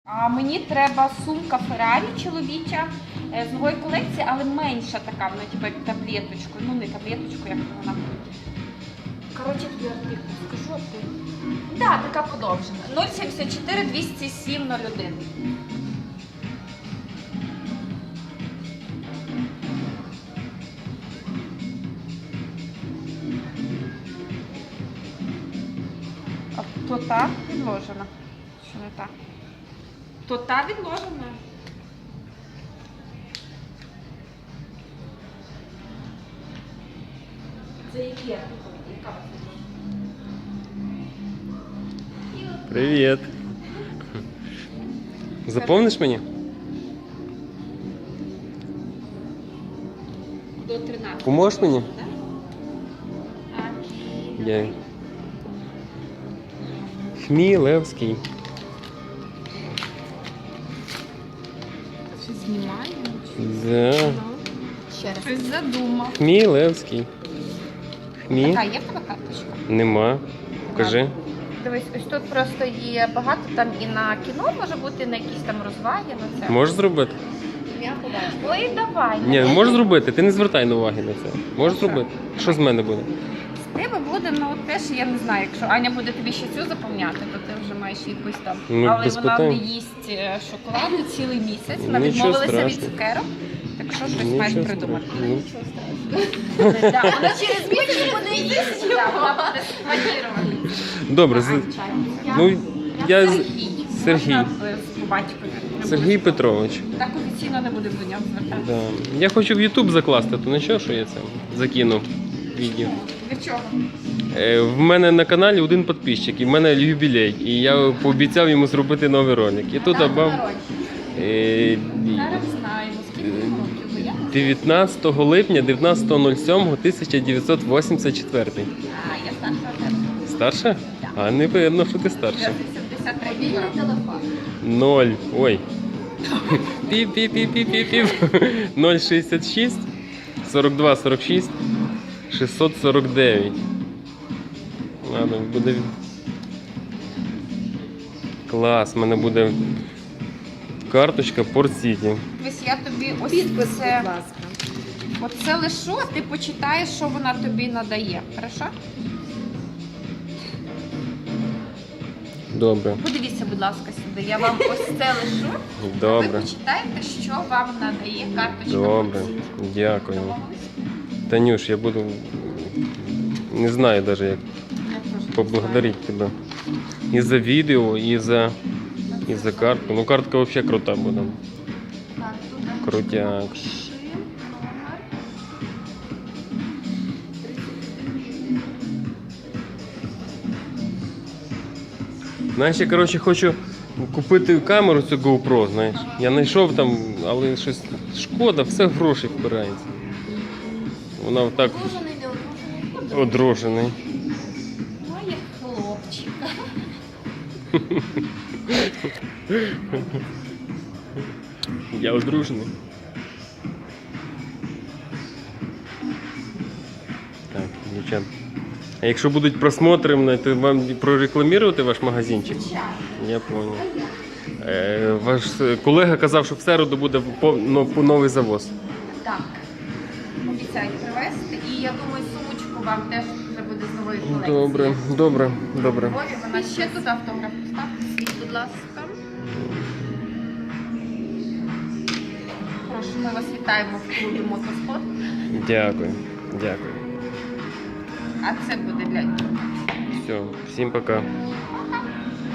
А мені треба сумка Феррарі чоловіча з нової колекції, але менша така, вона типу як таблеточку. Ну не таблеточку, як вона. Коротше, тобі артикул скажу, а ти. Так, така подовжена. 074 207 01. А то та відложена. Що не так? То та відложена. Це які артикули? Яка у вас відложена? Привіт. Заповниш мені? До 13. Поможеш мені? Так. Я. Хмілевський. Щось знімає? За. Ще раз. Щось задумав. Хмілевський. Хмі? Така є в тебе карточка? Нема. Покажи. Дивись, ось тут просто є багато, там і на кіно може бути, на якісь там розваги, на це. Можеш зробити? Я побачу. Ой, давай. Ні, можеш зробити. Ти не звертай на уваги на це. Можеш зробити. Що з мене буде? З тебе буде, ну теж я не знаю, якщо Аня буде тобі ще цю заповняти, то ти вже маєш якусь там. Ну, але без вона питань. не їсть шоколаду цілий місяць, вона Нічого відмовилася від страшного. цукерок, так що щось Нічого маєш страшного. придумати. Ну. Да, вона через місяць буде їсти, да, вона буде спланувати. Добре, ну я Сергій. Сергій. Можна по батькові? Не Сергій буде. Петрович. Так офіційно не будемо до нього звертатися. Да. Я хочу в YouTube закласти, то нічого, що я це закину відео. Для чого? В мене на каналі один підписчик, і в мене юбілей. І я пообіцяв йому зробити новий ролик. І тут абав Зараз знаємо, скільки років, бо я 19 липня 19.07.1984. я старша тебе. Старша? А не видно, що ти старша. Я 83 телефон. 0. Ой. Піп-піп-піп-піп-піп. 066 42 46 649. Ладно, буде. Клас, в мене буде карточка Port City. Ось я тобі ось Підпис, це, будь ласка. оце лишу, а ти почитаєш, що вона тобі надає. Хорошо? Добре. Подивіться, будь ласка, сюди. Я вам ось це лишу. Ви Добре. почитаєте, що вам надає карточка. Добре. Port City. Дякую. Домовились? Танюш, я буду. Не знаю навіть, як Я теж не поблагодарити тебе. І за відео, і за картку. Ну, картка взагалі крута буде. знаю. Так, туди. Крутяк. Ши, номер. Знаєш, я, коротше, хочу купити камеру цю GoPro, знаєш. Я знайшов там, але щось шкода, все в гроші впирається. Вона отак Одружений, не одружений. одружений. Моє хлопчика. Я одружений. Так, дівчат. А якщо будуть просмотри, то вам прорекламувати ваш магазинчик? Я понял. Ваш колега казав, що в середу буде новий завоз. Так. Обіцяють привезти. І я думаю, сумочку вам теж вже буде з нової колекції. Добре, добре, добре. Львові вона ще тут автограф поставте свій, будь ласка. Прошу, ми вас вітаємо в клубі Мотоспорт. Дякую, дякую. А це буде для Все, всім пока. Пока.